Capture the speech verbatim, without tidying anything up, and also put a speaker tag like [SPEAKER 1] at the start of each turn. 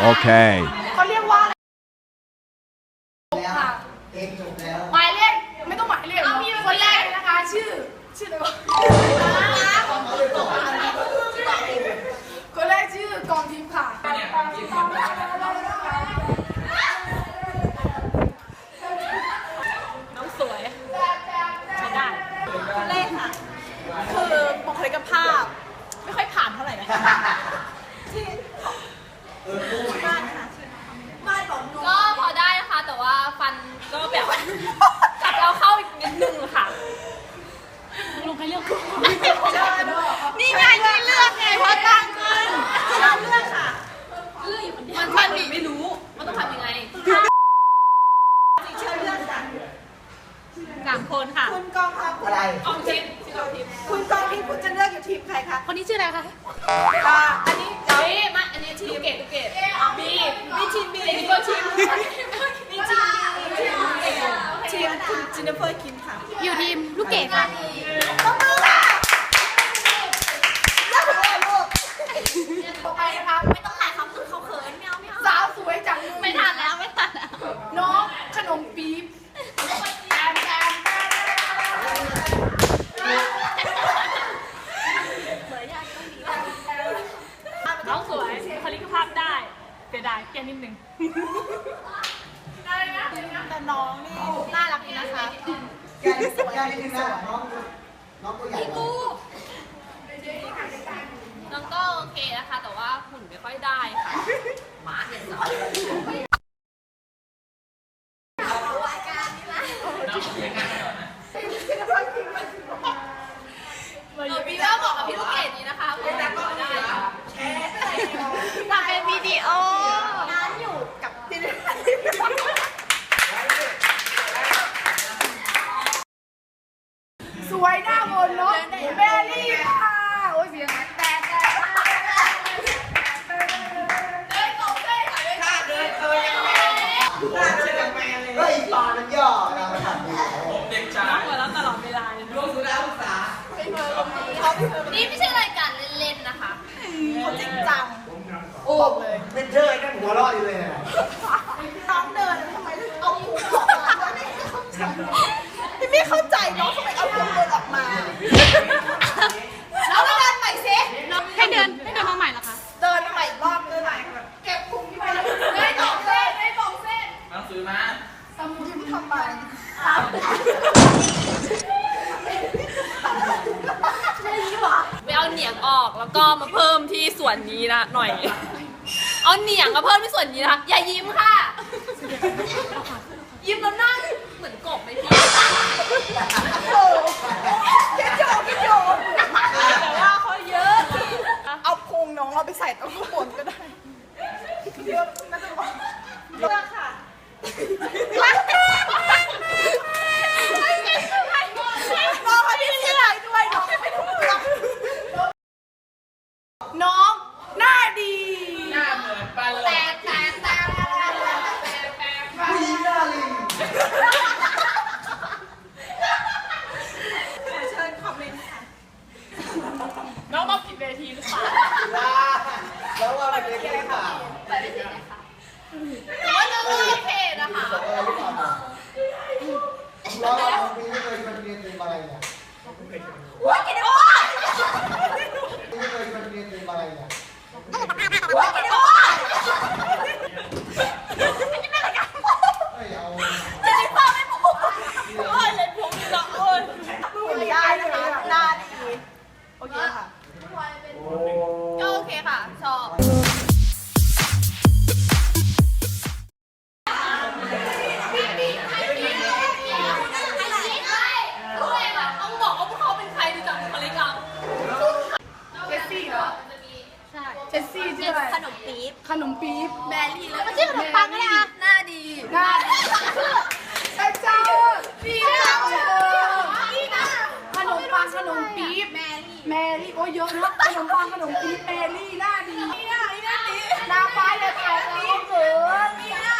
[SPEAKER 1] โอเค
[SPEAKER 2] เขาเรียกว่า
[SPEAKER 3] แล้วเองจบแล้ว
[SPEAKER 2] หมายเลขไม่ต้องหมายเลขคนแรกนะคะชื่อชื่ออะไรวะคนแรกชื่อกองทิพย์ค่ะ
[SPEAKER 4] น้องสวยใช้ได้คนแรกค่ะคือบุคลิกภาพไม่ค่อยผ่านเท่าไหร่นะที่บ้านค่ะบ้านของหนูก็พอได้นะคะแต่ว่าฟันก็แบบจับเราเข้าอีกนิดนึงค่ะลุงใครเลือกนี่ไงนี่เลือกไงเพราะตั้งขึ้นเลือกค่ะเลือกอยู่คนเดียวมันไม่รู้ว่าต้องทำยังไงเชิญเลือกค่ะสามคนค่ะคุณกองทัพอะไรกองทิพย์ชื่อกองทิพย์คุณกองทิพย์คุณจะเลือกอยู่ทีมใครคะคนนี้ชื่ออะไรคะอ่าอันนี้เอ๊ะมาอันนี้ทีมเกตเกตบีนี่ทีมบีนี่ก็ทีมนี่ทีมบีทีมคุณจินเนอร์เฟอร์คิมค่ะอยู่ทีมลูกเกดค่ะต้องมือค่ะเลือกเลยลูก
[SPEAKER 2] ต่อไปนะคะ
[SPEAKER 4] ไม่ต้องถ่ายเขาคือเขาเขินไม่เอาไม่เอา
[SPEAKER 2] สาวสวยจัง
[SPEAKER 4] ไม่ทันแล้วไม่ทันแล้ว
[SPEAKER 2] น้องขนมปี๊บแอมแอม
[SPEAKER 4] น้องสวยคลิกภาพได้เสียดายแค่นิดนึงแต่น้องนี่น่ารักดีนะคะ
[SPEAKER 3] แกนี่แกนี่นะน้องน้องตัวใหญ่
[SPEAKER 4] น้องก็โอเคนะคะแต่ว่าหุ่นไม่ค่อยได้ค่ะหมาเนี่ยสอนพี่ก็บอกกับพี่ลูกเกดนี้นะคะคุณจะก็ได้แชร์ทำเป็นวิดีโองานอยู่กับพี่
[SPEAKER 2] สวยหน้ามนเนาะแมรี่ค่ะโอ้ยเสียงแต่แต่เดินตรงเส้นค่ะถ้าเดินตัวยังแมนถ้าเดินยังแมนเลย
[SPEAKER 3] เฮ้ยปลามันย่อเรามาทำดี
[SPEAKER 4] ผมเด็กชายน้องหัวเราะตลอดเวลาเลยร่วมสุดแล้วศึกษานี่ไม่ใช่รายการเล่นๆนะคะเขาจริงจัง
[SPEAKER 2] โอ้เลย
[SPEAKER 3] เป็นเธอนั่นหัวเราะอยู่เลย
[SPEAKER 2] น้องเดินทำไมเอาหูออกมาไม่
[SPEAKER 4] ไม่เข้าใจน้องทำไมเอาพุงเดินออกมาแล้วเดินใหม่สิให้เดินให้เดินมาใหม่เหรอคะ
[SPEAKER 2] เดินมาใหม่อีกรอบเดินใหม่เก็บพุงที่ไปแล้วได้สองเส้นได้สองเส้น
[SPEAKER 5] หนังสือมา
[SPEAKER 2] สมุดที่ทำไปใช่ยี่หว่า
[SPEAKER 4] ไปเอาเหนียงออกแล้วก็มาเพิ่มที่ส่วนนี้นะหน่อยเอาเหนียงมาเพิ่มที่ส่วนนี้นะคะอย่ายิ้มค่ะยิ้มแล้วนั่งเหมือนกบไหมพี่
[SPEAKER 2] โอ้คิดโยคิดโย
[SPEAKER 4] แต่ว่าเขาเยอะ
[SPEAKER 2] เอาพุงน้องเราไปใส่ตรงข้างบนก็ได้เยอะน่าจะบอกเลือกค่ะน้องเขาที่เสียใจด้วยน้องไม่ถูกเลือกน้องหน้าดี
[SPEAKER 5] หน้าเหมือนปลาไหล
[SPEAKER 2] แต่แต่แต่
[SPEAKER 3] ผู้หญิงหน้าลิง
[SPEAKER 4] เชิญคอมเมนต์ค่ะน้องมาผิดเวทีหรือเปล่า
[SPEAKER 3] แล้วว่ามันเป็นอะไรเปล่า
[SPEAKER 4] ไปไม่ถึงนะคะหรือว่าจะโอเคนะคะ
[SPEAKER 3] แล้วว่าผมไม่เคยเป็นเรียนเรียนอะไรเนี่ย
[SPEAKER 4] ว้ากินโอ้ย
[SPEAKER 3] ไม่เคยเป็นเรียนเรียนอะไรเนี่ย
[SPEAKER 4] ว้ากินโอ้ย
[SPEAKER 3] เฮ้ยเอา
[SPEAKER 4] เจนิเฟอร์ไม่พูดโอ้ยเลยพูดนี่หรอโอ้ย
[SPEAKER 2] ดูได้นะคะหน้าดีโอเคค่ะ
[SPEAKER 4] ก็โอเคค่ะชอบต้องบอกว่าพวกเขาเป็นใครดูจากบุคลิกเรา
[SPEAKER 2] เจสซี่เหรอ
[SPEAKER 4] ใช่
[SPEAKER 2] เจสซี่ชื่ออะไร
[SPEAKER 4] ขนมปี๊บ
[SPEAKER 2] ขนมปี๊บ
[SPEAKER 4] แบรี่แล้วมันชื่อขนมปังเลยอ่ะหน้าดี
[SPEAKER 2] หน้าดีใช่เจ้าดีนะดีนะขนมปังขนมปี๊บแมรี่แมรี่โอ้ยเยอะนะขนมปังขนมปี๊บแมรี่หน้าดีหน้าดีหน้าฟ้าจะแตกแล้วเกิน